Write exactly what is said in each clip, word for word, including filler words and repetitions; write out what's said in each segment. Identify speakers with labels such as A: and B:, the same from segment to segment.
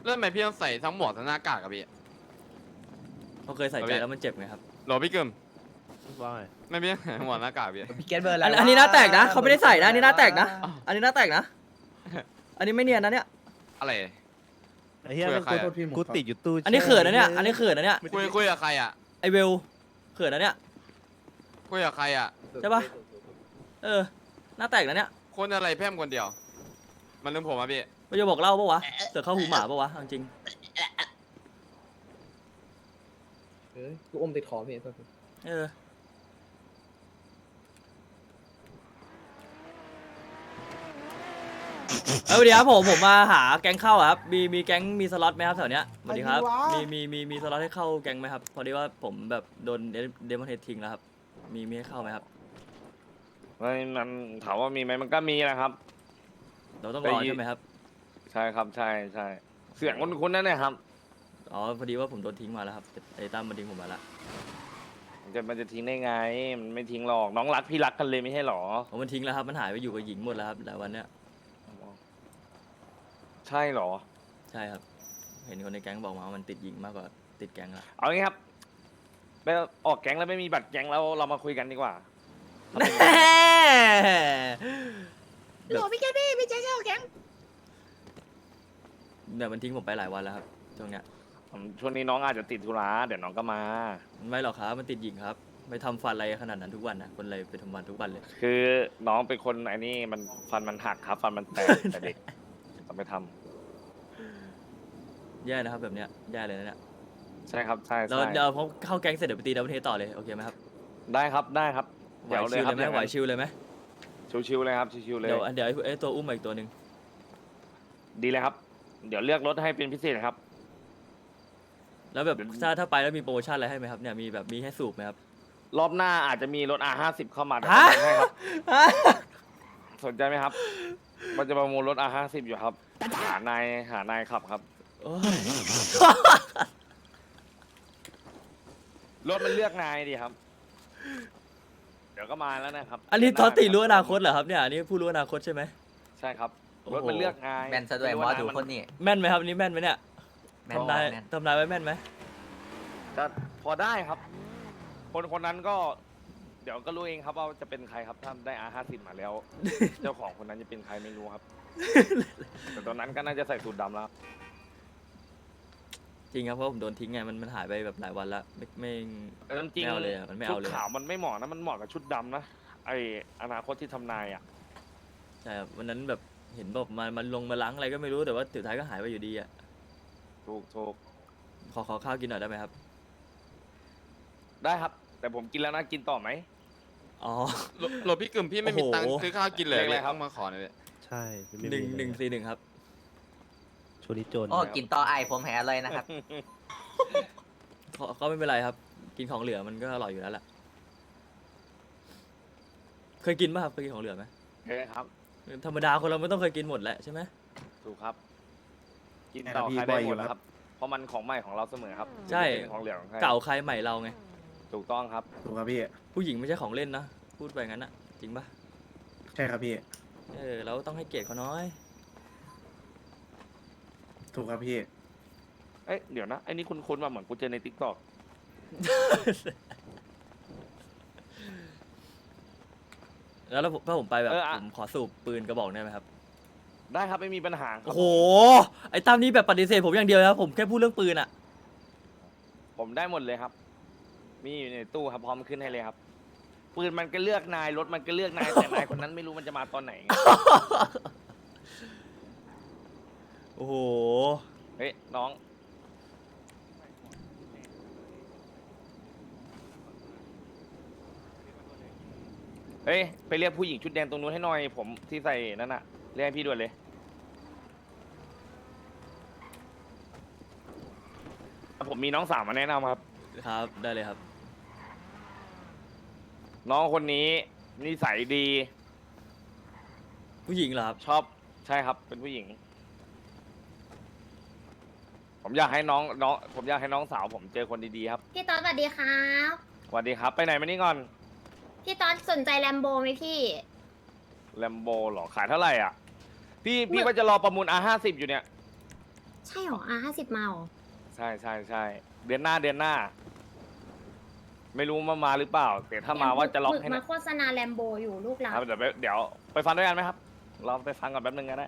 A: แล้วทำไมพี่ต้องใส่ทั้งหมวกทั้งหน้ากากกับพี่
B: เขาเคยใส่ใจแล้วมันเจ็บไงครับ
A: โหลพี่กึม
C: ว่าไง
A: ไม่พี่ใส่หมวกหน้ากากพี่
D: พี่เกตเบอร์อะไร
B: อัน
D: วะ
B: อันนี้หน้าแตกนะเขาไม่ได้ใส่นะอันนี้หน้าแตกนะ
A: อ้าว
B: อันนี้หน้าแตกนะ อันนี้ไม่เนียนนะเนี่ย
A: อะไร
C: ไอ้เหี้ย
A: คุยกั
C: นั่
A: บ
C: น
A: ใคร
C: กู
A: อะ
C: กูติดอยู่ตู้
B: อันนี้เขินนะเนี่ยอันนี้เขินนะเนี่ย
A: คุยคุยกับใครอ่ะ
B: ไอเวลเขินนะเนี่ย
A: คุยกับใครอ่ะ
B: ใช่ปะเออหน้าแตกนะเนี่ย
A: คนอะไรแพร่มคนเดียว มันลืมผมอ่ะพี่
B: มันจะบอกเล่าปะวะเสือเข้าหูหมาปะวะเอาจริง
D: เอ้ยกูอมติดคอพี่ตัว
B: เออเออสวัสดีครับผมผมมาหาแก๊งเข้าอะครับมีมีแก๊งมีสล็อตไหมครับแถวเนี้ยสวัสดีครับมีมีมีมีสล็อตให้เข้าแก๊งไหมครับพอดีว่าผมแบบโดนเดมอนเฮดทิ้งแล้วครับมีมีให้เข้าไหมครับ
E: มันมันถามว่ามีไหมมันก็มีนะครับ
B: เราต้องรอใช่ไหมครับ
E: ใช่ครับใช่ใช่เสียงคุ้นๆนั่นแหละครับ
B: อ๋อพอดีว่าผมโดนทิ้งมาแล้วครับไอ้ตั้มมันทิ้งผมมาละ
E: มันจะมันจะทิ้งได้ไง มันไม่ทิ้งหรอกน้องรักพี่รักกันเลยไม่ใช่หรอ
B: ผมมันทิ้งแล้วครับมันหายไปอยู่กับหญิงหมดแล้วครับหลายวันเนี้ย
E: ใช่หรอ
B: ใช่ครับ เห็นคนในแก๊งบอกมาว่ามันติดหญิงมากกว่าติดแก๊งละ
E: เอางี้ครับไปออกแก๊งแล้วไม่มีบัตรแก๊งแล้วเรามาคุยกันดีกว่า
B: แน่
D: โหลพี่เกตพี่พี่เจ๊เจ้าแก๊ง
B: แบบมันทิ้งผมไปหลายวันแล้วครับช่วงเนี้ย
E: ผมช่วงนี้น้องอาจจะติดธุระเดี๋ยวน้องก็มา
B: ไม่หรอกครับมันติดหญิงครับไม่ทำฟันอะไรขนาดนั้นทุกวันนะคนอะไรไปทำฟันทุกวันเลย
E: คือน้องเป็นคนไอ้นี่มันฟันมันหักครับ ฟันมันแตก แต่เด็กต้องไปทำ
B: แย่นะครับแบบเนี้ยแย่เลยนะเนี่ย
E: ใช่ครับใช่
B: เรา
E: ใช่
B: เดี๋ยวพอเข้าแก๊งเสร็จเดี๋ยวไปตีดับเบิลเทสต่อเลยโอเคไหมครับ
E: ได้ครับได้ครับ
B: ไหว
E: เดี๋ยวเลย
B: ชิว
E: ค
B: เล
E: รับ
B: ยไหมไหวชิวเลยไหม
E: ชิวๆเลยครับชิวๆเลย
B: เดี๋ยวเดี๋ยวไอ้ไอ้ตัวอุ้มมาอีกตัวหนึ่ง
E: ดีเลยครับ เดี๋ยวเลือกรถให้เป็นพิเศษครับ
B: แล้วแบบถ้าถ้าไปแล้วมีโปรโมชั่นอะไรให้ไหมครับเนี่ยมีแบบมีให้สูบไหมครับ
E: รอบหน้าอาจจะมีรถ อาร์ ห้าสิบ เข้ามาเดี๋ยว
B: ฮะ
E: ผมให้ครับ สนใจไหมครับ มันจะประมูลรถ อาร์ ห้าสิบ อยู่ครับ หานายหานายขับครับ
B: โอ้ย
E: รถมันเลือกนายดีครับ เดี๋ยวก็มาแล้วนะครับ
B: อันนี้ทอตติรู้อนาคตเหรอครับเนี่ยอันนี้ผู้รู้อนาคตใช่ไหม
E: ใช่ครับ
B: โอ้โห
E: รถมันเลือกนาย
D: แมนซะด้วยหมอดูคนนี้
B: แม่นไหมครับอันนี้แม่นไหมเนี่ย
D: แมน
B: ทำนาย
D: แมน
B: ทำนายไว้แม่นไหม
E: จะพอได้ครับ คนคนนั้นก็ เดี๋ยวก็รู้เองครับว่าจะเป็นใครครับถ้าได้ อาร์ ห้าสิบ มาแล้ว เจ้าของคนนั้นจะเป็นใครไม่รู้ครับ แต่ตอนนั้นก็น่าจะใส่สูทดำแล้ว
B: จริงครับเพราะผมโดนทิ้งไงมันมันหายไปแบบหลายวันละไม่ไม่
E: แต่จริง
B: ไม่เอาเลยอะมันไม่เอาเลย
E: ชุดขาวมันไม่เหมาะนะมันเหมาะกับชุดดำนะไออนาคตที่ทำนายอ่ะ
B: ใช่ครับวันนั้นแบบเห็นบอกมามันลงมาล้างอะไรก็ไม่รู้แต่ว่าสุดท้ายก็หายไปอยู่ดีอ่ะ
E: ถูกถูก
B: ขอขอข้าวกินหน่อยได้ไหมครับ
E: ได้ครับ แต่ผมกินแล้วนะกินต่อไหม
B: อ๋อ
A: โหลโหลพี่กึมพี่ไม่มี
B: โอ้โห
A: ตังค์ซื้อข้าวกินเลย
E: เลขอะไร
A: พี่
E: ครับ
A: ต้องมาขอหน่อยพี่
C: ใช่ไม่
B: หนึ่ง
C: มี
B: หนึ่งสี่หนึ่งครับ
C: ช่วงนี้จน
D: โอ้กินต่อไอผมแหเลยนะครับ
B: ก็ก็ไม่เป็นไรครับ กินของเหลือมันก็อร่อยอยู่แล้วแหละเคยกินป่ะครับเคยกินของเหลือไหม
E: โอเคครับ
B: ธรรมดาคนเราไม่ต้องเคยกินหมดแหละใช่ไหม
E: ถูกครับ กินต่อใครได้หมดแล้วครับ เพราะมันของใหม่ของเราเสมอครับ
B: ใช่
E: ไม่เป็นของเหลือของใคร
B: เก่าใครใหม่เราไง
E: ถูกต้องครับ
F: ถูกครับพี่
B: ผู้หญิงไม่ใช่ของเล่นนะพูดไปงั้นนะจริงป่ะ
F: ใช่ครับพี่
B: เออเราต้องให้เกียรติเขาน้อย
F: ถูกครับพี่
E: เอ้ยเดี๋ยวนะไอ้นี่คุณคุ้นๆมาเหมือนกูเจอในทิกตอก
B: แล้วถ้าผมถ้าผมไปแบบผมขอสูบปืนกระบอกได้ไหมครับ
E: ได้ครับไม่มีปัญหาครั
B: โอ้
E: บ
B: โหไอ้ตั้มนี่แบบปฏิเสธผมอย่างเดียวนะครับผมแค่พูดเรื่องปืนอะ
E: ผมได้หมดเลยครับ มีอยู่ในตู้ครับพร้อมขึ้นให้เลยครับปืนมันก็เลือกนายรถมันก็เลือกนายแต่นายคนนั้นไม่รู้มันจะมาตอนไหนไง
B: โอ้โห
E: เฮ้ยน้อง เฮ้ยไปเรียกผู้หญิงชุดแดงตรงนู้นให้หน่อย ผมที่ใส่นั่นน่ะเรียกให้พี่ด่วนเลย ผมมีน้องสาวมาแนะนำครับ
B: ครับได้เลยครับ
E: น้องคนนี้นิสัยดี
B: ผู้หญิงเหรอครับ
E: ชอบใช่ครับเป็นผู้หญิง ผมอยากให้น้องน้องผมอยากให้น้องสาวผมเจอคนดีๆครับ
G: พี่ต๊อดสวัสดีครับ
E: สวัสดีครับ ไปไหนมานี่ก่อน
G: พี่ต๊อดสนใจแลมโบไหมพี่
E: แลมโบหรอขายเท่าไหร่อ่ะ พี่พี่ว่าจะรอประมูล อาร์ ห้าสิบ อยู่เนี่ย
G: ใช่ช่หรออ่ะห้าสิบมาหรอ
E: ใช่ใช่ใช่เดือนหน้าเดือนหน้า ไม่รู้มามาหรือเปล่าแต่ถ้ามาว่าจะล็อกให้
G: มา
E: นะ
G: โฆษณาแลมโบอยู่ลูกหลา
E: ครับเดี๋ยวไปเดี๋ยวไปฟังด้วยกันไหมครับ เราไปฟังก่อนแป๊บนึงก็ได้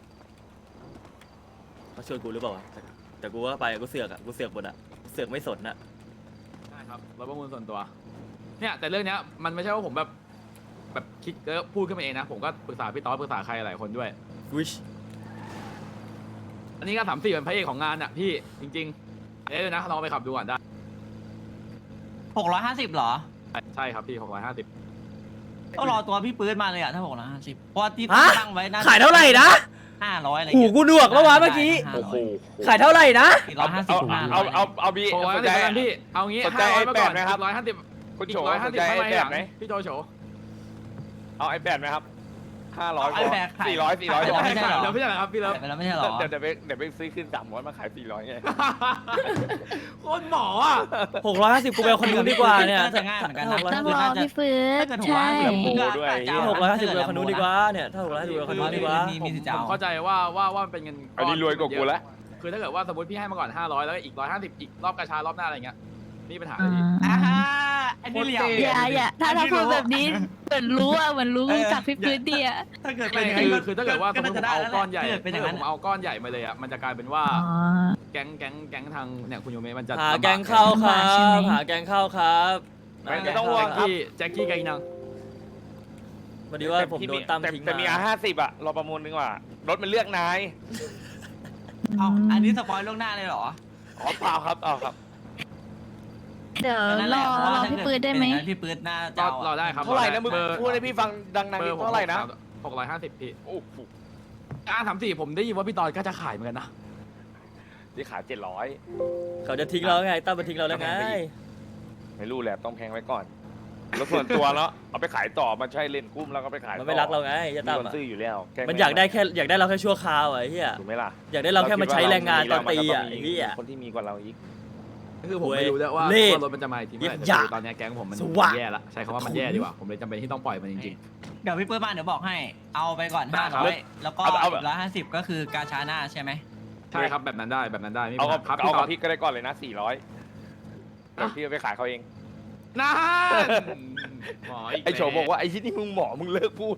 B: เขาชวนกูหรือเปล่าวะแต่แต่กูว่าไปกูเสือกอะกูเสือกหมดอะเสือกไม่สนอะ
H: ใช่ครับรถประมูลส่วนตัว เนี่ยแต่เรื่องเนี้ยมันไม่ใช่ว่าผมแบบแบบคิดแล้วพูดขึ้นมาเองนะ ผมก็ปรึกษาพี่ต๊อดปรึกษาใครหลายคนด้วย
B: วิช
H: อันนี้ก็สามสี่เป็นพระเอกของงานอ่ะพี่จริงๆเอ้ยนะลองไปขับดูก่อนได้
I: หกร้อยห้าสิบเหรอ
H: ใช่ครับพี่หกร้อยห้าสิบ
I: ต้องรอตัวพี่ปื้ดมาเลยอะถ้าหกร้อยห้าสิบเพราะว่าที่
B: ฮะ
I: ตั้งไว้น่า
B: ขายเท่าไหร่นะ
I: ห้าร้อยอะไร
B: หู
I: เงี้ย
B: กูหนวกแล้ววะเมื่อกี้
I: โอ้โห
B: ขายเท่าไหร่นะ
I: สี่ร้อยห้าสิบ
E: เอา
I: ห้าร้
E: เอา
I: อย
E: เอาเอาบี
H: หกร้อย
E: ส
H: ห้าน สิ
E: ใจ
H: บกันพี่เอางี้
E: สนใจ
H: ห้าร้อยมาก่อน
E: ไอ้แปดไหมครับ
H: ร้อยห้าสิบ
E: คุณ
H: อี
E: โฉ
H: กร้อยห้า
E: ส
H: สิ
E: น
H: บ
E: ใจ
H: ทำไม
E: ไอ้แป
H: หลั
E: ด
H: ง
E: ไหม
H: พี่โจโฉ
E: เอาไอแปดไหมครับห้าร้อย
I: ไอ้แบกขาย
E: สี่ร้อยสี่ร้อย
I: ขายไปแล้วไม่ใช่เหรอ
H: เดี๋ยวพี่อะไรครับพี่เลิฟ
I: ขายไปแล้วไม่ใช่เหรอ
E: เดี๋ยวเดี๋ยวไปเดี๋ยวไปซื้อขึ้นสามร้อยมาขายสี่ร้อยไง
H: โคตรหมออ่ะ
B: หกร้อยห้าสิบกูไปเอาคนนู้นดีกว่าเนี่ย
I: น่าจะง่ายเหมือนกันนะ
B: หกร้อย
I: ต้
B: ห้า
I: อง
B: สิบ
I: รอ
B: น่าจะ
I: พี่ฟื้นถ้าเกิดหกร้อยห้าสิบ
E: โอ้โหด้วย
B: หกร้อยห้าสิบกูไปเอาคนนู้นดีกว่าเนี่ยถ้าหกร้อยห้าสิบกูไปเอาคนนู้นดีกว่า
I: มี
H: ผม
I: มีสิทธิ์จะ
H: ผม
I: เอา
H: เข้าใจว่าว่าว่ามันเป็นเงิน
E: อันนี้รวยกว่ากูแล้ว
H: คือถ้าเกิดว่าสมมติพี่ให้มาก่อนห้าร้อยแล้วก็อีกร้อยห้าสิบอีกรอบกระชารอบหน้าอะไรเงี้ยนี่ปัญหาเลยพี่
I: อ่าฮะอันนี้เหลี่ยม
J: อย่าอย่าถ้าถ้าพูดแบบนี้เหมือนรู้อ่ะเหมือนรู้
I: เออ
J: จากพี่พื้นดีอ่ะ
I: ถ้าเกิด
H: ไม่
I: เป็นอย่าง
H: คื
I: นั้
H: อน คือถ้าเกิดว่าสมมติผมเอาก้อนใหญ่
I: ถ้าเกิดเป็น
H: ถ้า
I: อย่าง
H: เกิด
I: นั้น
H: ผมเอาก้อนใหญ่มาเลยอ่ะมันจะกลายเป็นว่า
J: อ๋อ
H: แก๊งแก๊งแก๊งทางเนี่ยคุณโยเมะมันจะ
B: หา
H: ลำบ
B: แกงเข้าครั
J: ลำบากใช่ไห
B: บ
J: ม
B: หาแกงเข้าครับ
E: ไม่ไม่ต้องห่วง
H: แจ็คกี้แจ็คกี้ไกนัง
B: วันนี้ว่าผมโดนตั้ม
E: แต่
B: ทิ้ง
E: แต่มีอา
B: มา
E: ห้าสิบอะเราประมูลดีกว่ารถมันเลือกนาย
I: เอาอันนี้สปอยล์ล่วงหน้าเลยเหรอ
E: อ๋อเปล่าครับเอาครับ
J: เดี๋ยว
I: นั่นแห
J: ร
I: ละ
J: อ
I: เพราะ
J: ร
I: ว่า
J: อ
I: ถ้า
J: พี่
I: เกิด
J: ปืนได้ไหม
I: เป็นอย่างนั้นพี่ปืนน่าจะ
H: ก็
I: เอา
H: รอได้ครับ
E: เท่าไหร่นะมึง
H: เบอร์
E: พูดให้พี่ฟังดังๆ
H: เบอ
E: นิด
H: ร์ผม
E: เท่าไหร่นะ
H: หกร้อยห้าสิบพี่
E: โอ้โห
H: อาสามสี่ผมได้ยินว่าพี่ตอนก็จะขายเหมือนกันนะ
E: ที่ขายเจ็ดร้อย
B: เขาจะทิ้งเราไงตั้มมาทิ้งเราแล้วไง
E: ไม่รู้แหละต้องแพงไว้ก่อนรถส่วนตัวแล้วเอาไปขายต่อมันใช่เล่นกุ้มแล้วก็ไปขาย
B: มันไม่รักเราไงจะ
E: มี
B: ตั้ม
E: คน
B: อะ
E: ซื้ออยู่แล้วแค่
B: มันอยากได้แค่อยากได้เราแค่ชั่วคราวอะไอ้เหี้ย
E: ถูกไหมล่ะ
B: อยากได้เราแค่มาใช้แรงงานตอนตีอะไอ้เหี้ย
E: คนที่มีกว่าเราอีก
H: คือผมไม่รู้ด้วยว่า
B: เล่ห์
H: ว่ารถมันจะมาอีกทีเมื่อไหร่
B: อย่า
H: แต่คือตอนเนี้ยแก๊งผมมัน
B: สว่าง
H: แย่ละใช้คำว่ามันแย่ดีกว่าผมเลยจำเป็นที่ต้องปล่อยมันจริง
I: เดี๋ยวพี่ปื้ดมาเดี๋ยวบอกให้ เอาไปก่อน
H: ได้
I: ห้า
H: ครับ
I: ร้อยแล้วก็
E: เอาเอา
I: อีกร้อยห้าสิบก็คือกาชาหน้าใช่ไหม
H: ๆใช่ครับแบบนั้นได้แบบนั้นได้ไม่มี
E: เอา
H: ปั
E: กับ
H: ญหาครับ
E: เอา
H: พี่ต
E: กั
H: อบ น
E: พี่ก็ได้ก่อนเลยนะสี่ร้อยเดี๋ยวพี่เอาไปขายเขาเอง
H: นั่นหมออีก
E: ไอโฉบอกว่าไอ้ที่นี่มึงหมอมึงเลิกพูด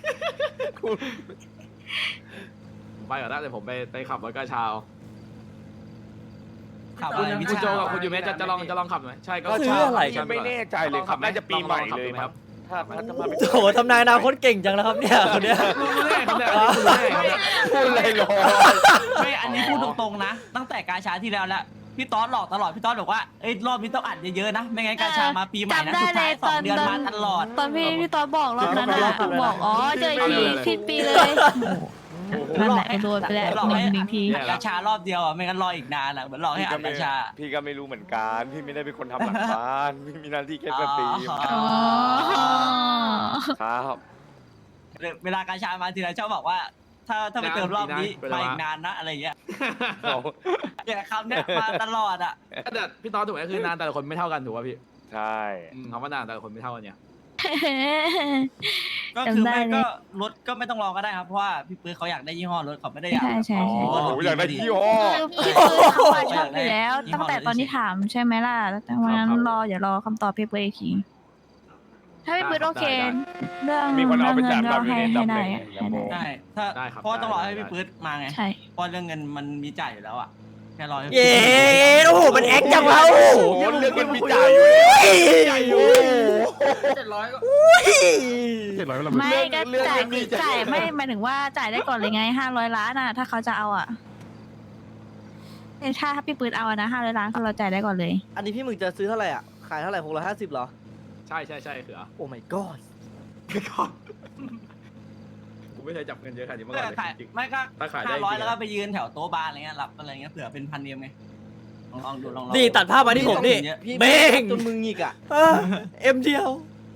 H: ผมไปก่อนนะเดี๋ยวผมไปไปขับรถกระเช้า
I: ขับ
H: คุ
I: อะ
H: ณ
I: ไรวิ
H: คุณ
I: ชา
H: โจกับคุณยูเมะจะจะลองจะลองขับไหมใช่ก็
B: ซื้ออะไร
H: ใช่
E: ไม่แน่ใจเลยครับน่าจะปีใหม่เลยครับถ้าถ้าถ้ามาเป็น
B: โอ้โหทำนายอนาคตเก่งจังแล้วครับเนี่ยคนเนี้ย
H: รู้ได้ครับเนี่ยรู้ได้ครับเนี่ย
E: พูดเลยหรอ
I: ไม่อันนี้พูดตรงๆนะ ตั้งแต่กาชาที่แล้วแหละพี่ต๊อดหลอกตลอดพี่ต๊อดบอกว่าเอ้ยรอบนี้ต้องอัดเยอะๆนะไม่งั้นกาชามาปีใหม่นะ
J: จำได้
I: สุดท้าย
J: เลย
I: สองเดือน
J: ตอน
I: มาตลอด
J: ตอนพี่พี่ตอนบอกรอบนั้นอ่ะบอกอ๋อเจออีกทีสิ้นปีเลย นั่นแหละโดนไปแล้ว
I: หลอก
J: ห
I: ให้
J: นึ่งหนึ่งที
I: อัดกาชารอบเดียวอ่ะไม่งั้นรออีกนานอ่ะเหมือนหลอกให้อัดกาชา
E: พี่ก็ไม่รู้เหมือนกันพี่ไม่ได้เป็นคนทำหลังบ้านพี่มีหน้าที่แค่สตรีม
I: อ๋อ
E: ครับ
I: เวลากาชามาทีไรชอบบอกว่า ถ้าถ้าไปเติมรอบนี้มาอีกนานนะอะไรเงี้ยเนี่ยคำเนี้ยมาตลอดอ่ะ
H: แต่พี่ตอนถูกไหมคือนานแต่ละคนไม่เท่ากันถูกป่ะพี่
E: ใช่
H: อืมคำว่านานแต่ละคนไม่เท่ากันเนี่ย
I: ก็คือ
J: จำได้
I: ไม่
J: เลย
I: ก็รถก็ไม่ต้องรอก็ได้ครับเพราะว่าพี่ปื้อเขาอยากได้ยี่ห้อรถเขาไม่ได้อยาก
J: ใช่ใช่
E: โอ้
J: ใช่
E: โหอยากได้ยี่ห้อ
J: คือพี่ปืนเขาอะชอบอยู่แล้ว ตั้งแต่ตอนที่ถามใช่ไหมล่ะแต่วันนั้นรออย่ารอคำตอบพี่ปืนอีกทีถ้าพี่ปืนโอเค เรื่อง
E: มีคนเอาไป
J: เรื่อง
E: จับ
J: เงิน
E: เรา
J: ก็
E: อยู่
J: ให้
E: ใน
J: ให้
E: ตำแห
J: ได้
E: น่ง
J: ให้ได้
I: ใช่ถ้าเพราะว่าต้องรอให้พี่ปื้ดมาไง
J: ใช่
I: เพราะเรื่องเงินมันมีจ่ายอยู่แล้วอ่ะแค่รอให้
B: เย้โอ้โหมันแอคจังวะโอ้โห
E: โอ้โหเรื่องเงินมีจ่ายอยู่แล้ว
B: ใหญ่อยู่
H: เจ็ดร้อยก็
J: ไม่ก็
E: เรื่อง
J: จ่าย
E: เรื่อง
J: จ่ายไม่หมายถึงว่าจ่ายได้ก่อนเลยไงห้าร้อยล้านอ่ะ ถ้าเขาจะเอาอ่ะเอ้ยถ้าถ้าพี่ปืนเอาอะนะห้าร้อยล้านคือเราจ่ายได้ก่อนเลย
K: อันนี้พี่หมึกจะซื้อเท่าไหร่อ่ะ ขายเท่าไหร่หกร้อยห้าสิบเหรอ
H: ใช่ใช่ใช่เขือ
K: โอ้ my god
H: ไม่ก่อนกูไม่เคยจับเงินเยอะขนาดนี้มาก่อนเลย
I: ขาย
H: จริง
I: ไม่ก็
H: ถ้าขายได้
I: ห้าร้อย
H: จริงๆ
I: แล้วก็ไปยืนแถวโต๊ะบาร์อะไรเงี้ยรับอะไรเงี้ยเผื่อเป็นพันเดียมไงลองลองดูลองลอง
B: นี่ตัดภาพมาที่ผมนี่
K: พี่
B: เม่ง
K: จนมึงหงิกอ่ะ
B: เออเอ็มเดียว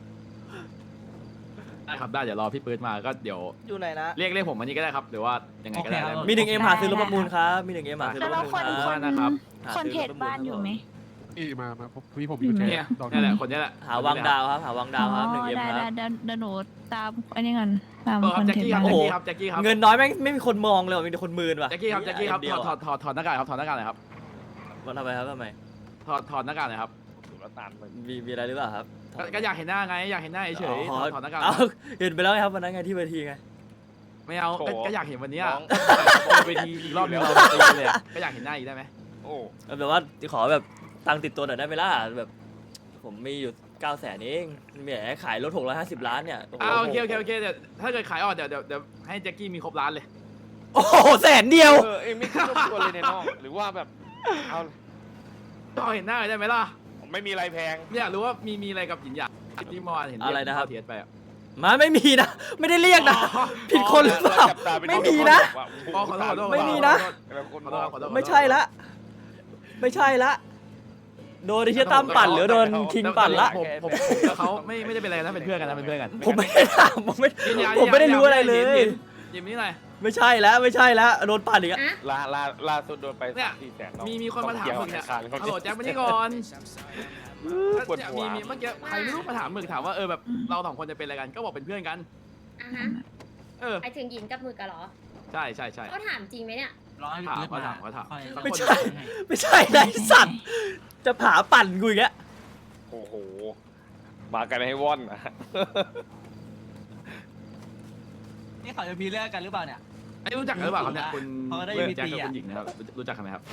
H: ๆได้ครับได้เดี๋ยวรอพี่ปื๊ดมาก็เดี๋ยว
K: อยู่ไหนนะ
H: เรียกเรียกผมวันนี้ก็ได้ครับหรือว่ายังไงก็ได้
B: มีหนึ่งเอ็มหาซื้อรถประมูลครับมีหนึ่งเอ็มหาซื้อร
J: แล้
B: ถ
J: ว
B: ประมูล
J: คน
B: ครับ
J: คน
H: นะครับ
J: คนเทรดบ้านอยู่ไหม
F: พี่มามาผมพี่ผม
J: อยู่ไหน
H: เนี่ยนี่แหละคนนี้แหละ
B: หาวังดาวครับ หาวังดาวครับหนึ่งเอ็ม
J: ได้
B: ค
J: ได้
B: รับ
J: เดี๋ยวเดี๋ยวหนูตามอันนี้ก่อนตาม
H: เออ
J: คน
H: แจ็ค
J: เทรด
H: กี้ครับ
J: บ้าน
B: โอ้
H: แจ็ค
B: โห
H: กี้ครับแจ็คกี้ครับ
B: เงินน้อยแม่งไม่มีคนมองเลยว่ะมีแต่คนมืนว่ะ
H: แจ็คกี้ครับแจ็คกี้ครับ
B: เดี
H: ถ
B: ย
H: อ
B: ว
H: ดถอดถอดถอดหน้ากากครับถอดหน้ากากหน่อยครับ
B: มันทำไมครับทำไม
H: ถอดถอดหน้ากากหน่อยครับ
E: ถูกแล้วตามไป
B: มีมีอะไรหรือเปล่าครับ
H: ก็ก็อยากเห็นหน้าไงอยากเห็นหน้าเฉยๆ
B: อ๋
H: ถ
B: อ
H: อดถอดหน้ากาก
B: เอาเห็นไปแล้วไงครับวันนั้นไงที่เวทีไง
H: ไม่เอาก็ก็อยากเห็นวันเนี้ย
E: น้อง
H: เวทีอีกรอบนึงเราตีกันเลยอะก็อยากเห็นหน้าอีกได้ไหม
E: โอ้
B: แบบว่าขอแบบตังค์ติดตัวหน่อยได้ไหมล่ะแบบ ผมมีอยู่เก้าแสนเองแหมขายรถหกร้อยห้าสิบล้านเนี่ยโอ้โห
H: อ้าวโอเคโอเคโอเคเดี๋ยวถ้าเกิดขายออกเดี๋ยวเดี๋ยวเดี๋ยวให้แจ็คกี้มีครบร้านเลย
B: โอ้โหแสนเดียว
E: เออเอ็งไม่คิดรบกวนเลยในน้องหรือว่าแบบเอา
H: ก็เห็นหน้าได้ไหมล่ะ
E: ไม่มีอะไรแพง
H: เนี่ยรู้ว่ามีมีอะไรกับหยินหยางที่เมื่อวานเห็นเยก
B: อะไรนะครับ
H: เทียดไปอะ
B: มาไม่มีนะ ไม่ได้เรียกนะ ผิดคนหรือเปล่า
E: จับตาเป็น
B: ไม่มีนะ
H: อ๋อขอโทษขอโทษ
B: ไม่มีนะ
H: ขอโทษขอโทษ
B: ไม่ใช่ละ ไม่ใช่ละ โดนไอ้เชี่ยตั้มปั่นหรือโดนคิงปั่นละ
H: ผมผมผมกับเขาไม่ไม่ได้เป็นอะไรนะเป็นเพื่อนกันนะเป็นเพื่อนกัน
B: ผมไม่ได้ถามผมไม่
H: ยินยา
B: ผมไม่ได้รู้อะไรเลย
H: ยิมนี่หน่อย
B: ไม่ใช่แล้วไม่ใช่แล้วโดนปั่นอีกอะ
G: อะ
E: ล่าล่าล่าสุดโดนไป
H: เนี่ย
E: สามสี่แสนน้อง
H: มีมีคนมาถามมึงเนี่ย
E: ต้อง
H: ฮัลโหล
E: เกี่ยว
H: แจ็คมานี่ก่อน
E: ปวดหัว
H: มีมีเมื่อกี้ใครไม่รู้มาถามมึงถามว่าเออแบบเราสองคนจะเป็นอะไรกันก็บอกเป็นเพื่อนกัน
G: อ่ะฮะ
H: เออ
G: ไปถึงหญิงกับมือกันเหรอ
H: ใช่ใช่ใช่
G: เขาถามจริงไหมเนี่ย
I: รอให้
H: ถาม
I: เกิด
H: เขา
I: มา
H: ถามเขาถาม
I: ค่อย
B: ไม่ใช่ ไม่ใช่ไอ้สัตว์ จะผาปั่นกูอีกแล้ว
E: โอ้โห มากันให้ว่อนนะ
I: นี่เขาจะมีเรื่องกันหรือเปล่าเนี่ย
H: ไอ้รู้จักกันหรือเปล่าครับเนี่ยคุณ
I: เขาก็ได้
H: คุณ
I: มี
H: แจ็ค
I: ตี
H: กับ
I: อะ
H: คุณหญิงนะครับรู้รู้จักกันไหมครับ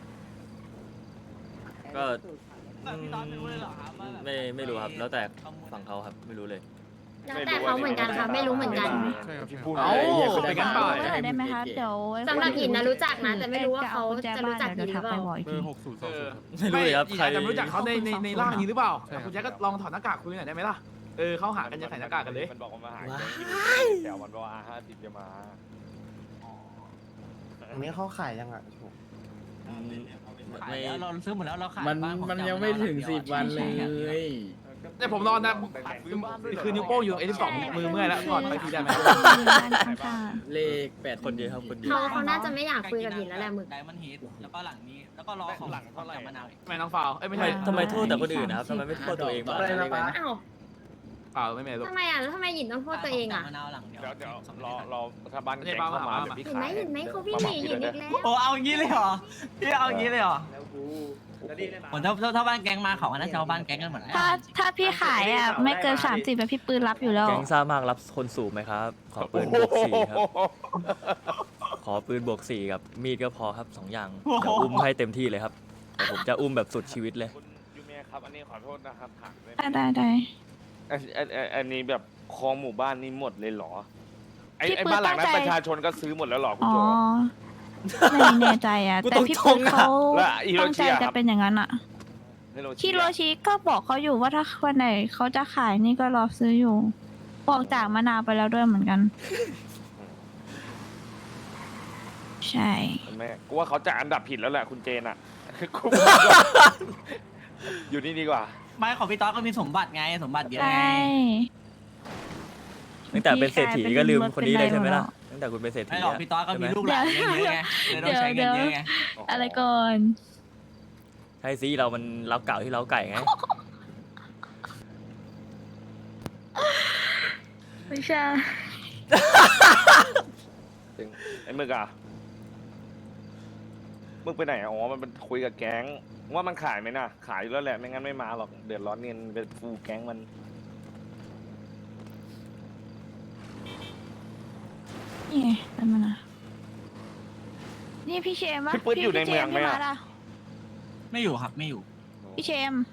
B: ก็
I: พี่ตอนไม่รู้เลยเหรอครับว่าแบบ
B: ไม่ไม่รู้ครับแล้วแต่ฝั่งเขาครับไม่รู้เลย
G: แล้วแต่เขาเหมือนกันค่ะไม่รู้เหมือนกัน
E: ที่พูด
H: เอ้า
E: ไป
H: เป็นกันเปล่า
J: เบอร์ได้ไหมคะเดี๋ยว
G: สำหรับหญิงนะรู้จักนะแต่ไม่รู้ว่าเขาจะรู้จักหญิงหรือเปล่า
J: บอกอีก
F: เบอ
J: ที
F: ร์หกศูนย์สองศูนย์
B: ไม่รู้เลยครับ
H: ไม่
B: ใคร
H: อาจจะไม่รู้จักเขาในในในร่างนี้หรือเปล่า
F: ใช่ครับ
H: คุณแจ็คก็ลองถอดหน้ากากคุยหน่อยได้ไหมล่ะเออเขาหากันจะใส่หน้ากากกันเลย
E: มันบอกว่ามาหาแกงที่เดี๋ยวมันบอกว่าห้าสิบจะมา
F: อันนี้เขาขายยังอ่ะ
I: ขายแล้วเราซื้อหมดแล้วเราขาย
K: มัน
I: บ้าผ
K: มัน
I: จะ
K: ยังไม่ถึงสิบวันเลย
H: เนี่ยผมนอนนะคือนิ้วโป้งอยู่ไอ้ที่สองมือเมื่อยแล้วก่อนไปทีได้ไหม
J: บ้านข้าง
K: เลขแปด
B: คนเดียวครับคนเดียว
G: เขาเขาน่าจะไม่อยากคุยกับหญิงแล้วแหละหมึก
I: ไดมอนด์เฮดแล้วก็หลังนี้แล้วก็รอของหลังเท่าไหร่มะนาว
H: ทำไมน้องฟาวเอ้ยไม่
B: ทำไม
H: ใช่
B: ทำไมโทษแต่คนอื่นนะครับทำไมไม่โทษตัวเองบ้าง
G: อ้าว
H: เปล่าไม่ไม่ลูก
G: ทำไมอ่ะแล้วทำไมหญิงต้องโทษตัวเองอ่ะ
I: มะนาวหลังเดียว
E: เดี๋ยวเดี๋ยวรอรอถ้าบ้านแกงเข้ามาเดี๋ยวพี่
G: เห็นไหม
E: ขาย
G: เห็นไหมเขาพี่หนีหญิงอีกแล้ว
I: โอ้เอาอย่างนี้เลยเหรอพี่เอาอย่างนี้เลยเหรอผมถ้าถ้าถ้าบ้านแก๊งมาเขาก็น่าจะเอาบ้านแก๊งกันหมดแล้ว
J: ถ้าถ้าพี่ขายอ่ะไม่เกินสามสิบแบบพี่ปืนรับอยู่แล้ว
B: แก๊งซ่ามากรับคนสูบไหมครับ ขอปืนบวกสี่ครับ ขอปืนบวกสี่กับมีดก็พอครับสองอย่างเดี๋ยวอุ้มให้เต็มที่เลยครับเดี๋ยวผมจะอุ้มแบบสุดชีวิตเลย
E: คุณยูเมียครับ อันนี้ขอโทษนะครับถามได้ไหม
J: ได้ได้ได้
E: อันอันอันอันนี้แบบคลองหมู่บ้านนี้หมดเลยเหรอ ไอ้
J: พี่
E: ไอ้
J: ปืน
E: บ้านหลังนั้น
J: ตั้งใจ
E: ประชาชนก็ซื้อหมดแล้วเหรอคุณ
J: อ๋อ
E: โจ
J: ไม่แน่ใจอ่ะ
B: กู
J: แต่
B: ต้อง
J: พี่
B: ช
J: ปื
B: ง
J: น
B: อะ
J: เขา
E: แล้วฮิโร
J: ตั้ง
E: ชิ
J: ใจ
E: อะค
J: จะ
E: รับ
J: เป็นอย่างนั้นอ่ะ
E: ฮิโร
J: ฮิโร
E: อะ
J: ชิก็บอกเขาอยู่ว่าถ้าวันไหนเขาจะขายนี่ก็รอซื้ออยู่ บอกจากมะนาวไปแล้วด้วยเหมือนกัน ใช่
E: เห็นไหมกูว่าเขาจะอันดับผิดแล้วแหละคุณเจนอ่ะ กูอยู่นี่ดีกว่า
I: ไม่ของพี่ต๊อกก็มีสมบัติไงสมบัติเยอะ
J: ใช่
I: ไง
B: ตั้งแต่เป็นเศรษฐีก็ลืมคนนี้เลยใช่ไหมล่ะตั้งแต่คุณเป็นเศรษฐี
I: ไม่หรอก
B: อะ
I: พี่ต๊อกก็มี
B: ใช่ไห
I: ลูกหลานเยอะไงเลยต้องใช้เงินเยอะไง
J: อะไรก่อน
B: ใช่สิเรามันเล้าเก่าที่เล้าไก่ไง
J: ไม่ใช่
E: ถึงไอ้มึกอะมึงไปไหนอะอ๋อมันเป็นคุยกับแก๊งว่ามันขายไหมน่ะ ขายอยู่แล้วแหละไม่งั้นไม่มาหรอกเดือดร้อนเงินเป็นฟูลแก๊งมัน
J: นี่ไงแป๊บนึงนะนี่พี่เชมปะ
E: พี่ปื๊ดอยู่ในเมืองไหมอะ
J: พี่าล่ะ
I: ไม่อยู่ครับไม่อยู่
J: พี่เชม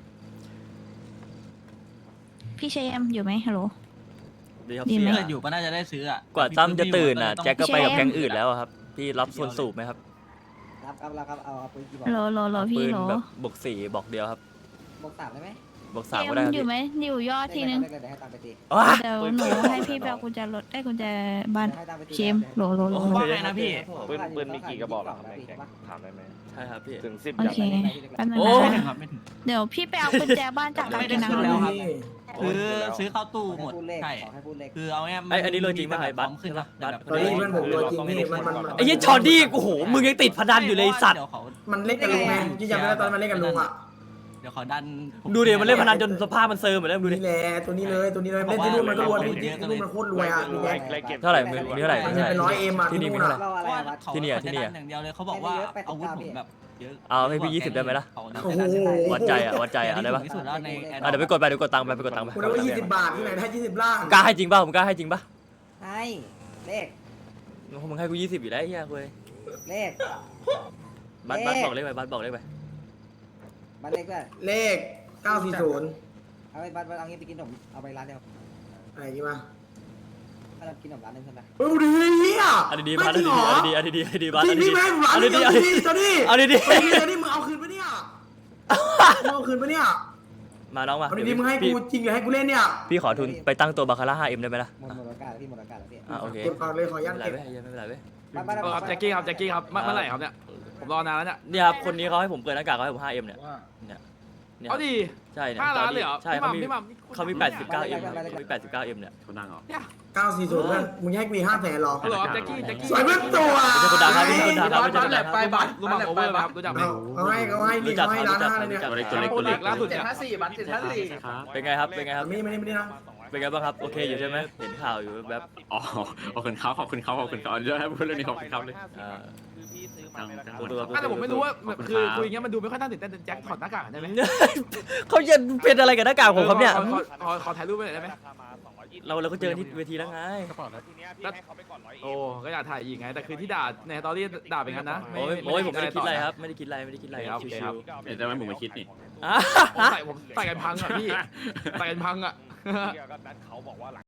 J: พี่เชมอยู่ไหมฮัลโหล
B: ดีครับ
J: ดี
B: เสี
J: ไหม
B: ย
I: ถ้าอยู่ก็น่าจะได้ซื้ออ่ะ
B: กว่าตั้มจะตื่นอ่ะ
I: ต้อง
B: แจ็คก็ไปกับ
J: พี่เชม
B: แก๊งอื่นแล้วอะครับพี่รับส่วนสูบไหมครับ
K: รับครับรับครับเอาเอาปืนกี่บอก
J: โหลโหลโหลพี่
B: ปืน
J: โหล
B: แบบบวกสี่บอกเดียวครับ
K: บอกสามได้ไหม
B: บวก
J: เช
B: สาม
J: ม
B: ก็ได้ครับ
J: อยู่ไหมอยู่ยอดทีนึง
K: ได้เลยเดี๋ยวให้ตามไปตี
B: ว้า
J: เดี๋ยวหนูให้พี่ไปเอากุญแจรถได้กุญแจบ้าน
K: ให้ตามไปตี
J: เชมโหลโหลโหล
I: ว่าไงนะพี่
E: ปืนปืนมีกี่กระบอกเหรอครับในแก๊งถามได้ไหม
B: ใช่ครับพี่
E: ถึงสิบ
J: โอ
E: อย่าง
J: เค
E: ไหม
J: แป๊บนึง
B: โอ้
I: ไม่ถึ
J: นะ
I: งครับไม่ถึง
J: เดี๋ยวพี่ไปเอากุญแจบ้านจาก
I: ไม่ได้
J: กิน
I: ขึ้น
J: น้ำ
I: แล้วครับ
K: ข
I: คือซื้อเข้าตู้หมด
K: พูดเลข
I: ใช่
K: ขอให้พูดเลข
I: คือเอาง่ายๆ
B: ไอ้อันนี้โรจริงป่ะไอ้บัส
I: ขึ้นครับ
B: บัส
I: เดี๋ยว
E: เฮ้ยมันผมตัวจริงนี่มันมันมัน
B: ไอ้ยี่จอร์ดี้โอ้โหมึงยังติดพนันอยู่เลยไอ้สัตว์
I: ดี๋วเขา
K: มันเล่นกันลุงไงที่จำได้ตอนมันเล่นกันลุงอ่ะ
I: เดี๋ยวขอดันผม
B: ดูดิมันเล่นพนันจนสภาพมันเซิร์มหมดแล้วดูดิ
K: นี่แหละตัวนี้เลยตัวนี้เลยเล่นที่นู่นมันก็รวยที่นู่นมันโคตรรวยอ่ะมีแดง
B: เท่าไหร่มีมีเท่าไหร่
K: มัน
B: มีเท่าไหร่
K: เป็นร้อยเอ็มอ่ะ
B: ที่
K: ที่
B: นี่
K: นู่
B: มี
K: น
B: เท่าไหร่
K: อ่ะ
J: เราอะไรวะ
I: เขา
B: ที่นี่อะที่นี่อะ
I: เขาจดัอย่างเดียวเลยเขาบอกว่าอาวุธผมแบบเยอะ
B: เอาให้พี่ยี่สิบได้ไหมล่ะ
I: เขา
K: โอ้โห
B: วัดใจอ่ะวัดใจอ่ะได้ปะ
I: ที่สุดแล้วใน
B: อ่ะเดี๋ยวไปกดไปเดี๋ยวกดตังค์ไปไปกดตังค์ไป
K: คุณเอาไว้ยี่สิบบาทที่ไหนได้ยี่สิบล้าน
B: กล้าให้จริงป่ะผมกล้าให้จริงป่ะ
K: ให้เลข
B: มึงให้กูยี่สิบอยู่แล้วไอ้เหี้ยคุย
K: เลข
B: บัตรบัตรบอกเลขไปบัตรบอกเลขไป
K: บัตรเลขด้วยเลขเก้าสี่ศูนย์เอาไปบัตรเอางี้ไปกินขนมเอาไปร้านเดียวอะไรดีมาเรากินขนมร้านนึงใช่ไหมเออดีเฮีย
B: อันนี้ดีบัตรอันนี้ดีอันนี้ดีอันนี้ดีอันนี้ดีบัตรอันนี้
K: พี่
B: ดี
K: แม่ร้าน
B: อัน
K: นี้
B: นี้ดี
K: ดี
B: อันนี้
K: ดีตัวนี้
B: อันนี้ดี
K: ตัวนี้มึงเอาคืนปะเนี่ยมึงเอาคืนปะเนี่ย
B: มาน้องมา
K: เอาดีๆมึงให้กูจริงหรือให้กูเล่นเนี่ย
B: พี่ขอทุนไปตั้งตัวบาคาร่า ห้าเอ็ม ได้ไหมล่ะ
K: หมดหมดโอกาสแล้วพี่หมดโอกาสแล้วพี่
B: อ่ะโอเค
K: เก็บก่อนเลยขอ
B: ไม่
K: ยัน
B: เป็นไร
K: เก็บ
B: เว้ยไม่เป็นไรเว้ย
H: เออครับแจ็คกี้ครับแจ็คกี้ครับเมื่อเมื่อไหร่ครับเนี่ยผมรอนานแล้วเนี่ย
B: เนี่ยครับคนนี้เขาให้ผมเปิดหน้ากากเขาให้ผม ห้าเอ็ม เนี่ยเนี่ยเนี่ย
H: เอาดี
B: ใช่เนี่ย
H: ห้าล้านเลยเหรอ
B: ใช่
H: พี่ห
B: เขา
H: ม่ำ
B: มี
H: พี่หม่ำนี่
B: เขามี แปดสิบเก้าเอ็ม เขามี แปดสิบเก้าเอ็ม เนี่ย
C: เขานั่งเหรอ
K: เก้าสี่ศูนย์เพื่อนมึงให้กูอีกห้าแสนหรอ
H: เหรอแจ็คกี้แจ็คกี้
K: สวยเพื่อนตัว
B: ไม่ใช่คนดังครับไม่ใช่คนดังครับไม่ใช่คนดังครับ
H: รู้จักโอเวอร์ไหมครับรู้จักไหม
K: เขาให้เขาให้นี่
B: รู้จัก
K: เขาให้
B: รู้
K: ร้าน
B: จัก
K: ห้าเลยเนี่ย
B: รู้จัก
H: ตัวเล็กตัวเล็กล่าสุดเนี่ย
B: เป็นไงครับเป็นไงครับ
K: ไม่ไม่ไม่ได้นะ
B: เป็นไงบ้างครับโอเคอยู่ใช่ไหมเห็นข่าวอยู่แบบ
C: อ๋อขอบคุณเขาขอบคุณเขาขอบคุณเขาเยอะให้พูดเรื่องนี้ขอบคุณเขาเลย
B: อ่า
C: จังจัง
B: ตัวตัว
H: แต่ผมไม่รู้ว่าแบบคือคุยอย่างเงี้ยมันดูไม่ค่อยน่าตื่นเต้นแต่แจ็คถอดหน้ากากได้ไหม
B: เขาจะเป็นอะไรกับหน้ากากผมครับเนี่ย
H: ขอขอขอขอถ่ายรูปไปหน่อยได้ไหม
B: เราเราก็เจอที่เวทีแล้วไง
H: โอ้ก็อยากถ่ายอีกไงแต่คือที่ด่าในตอรี่ด่าเป็นงั้นนะ
B: โอ้ยโอ้ยผมไม่ได้คิดอะไรครับ ไม่ได้คิดอะไรไม่ได้คิดอะไรครับ
H: โอเค
B: ชิ
H: ครับ
B: ว
C: เดี๋ยวจะไม่มึงมาคิดนี่
B: ๆอ่ะ
H: ผมใส่ผมใส่กันพังอ่ะพี่ใส่กันพังอ่ะ
E: เขาบอกว่า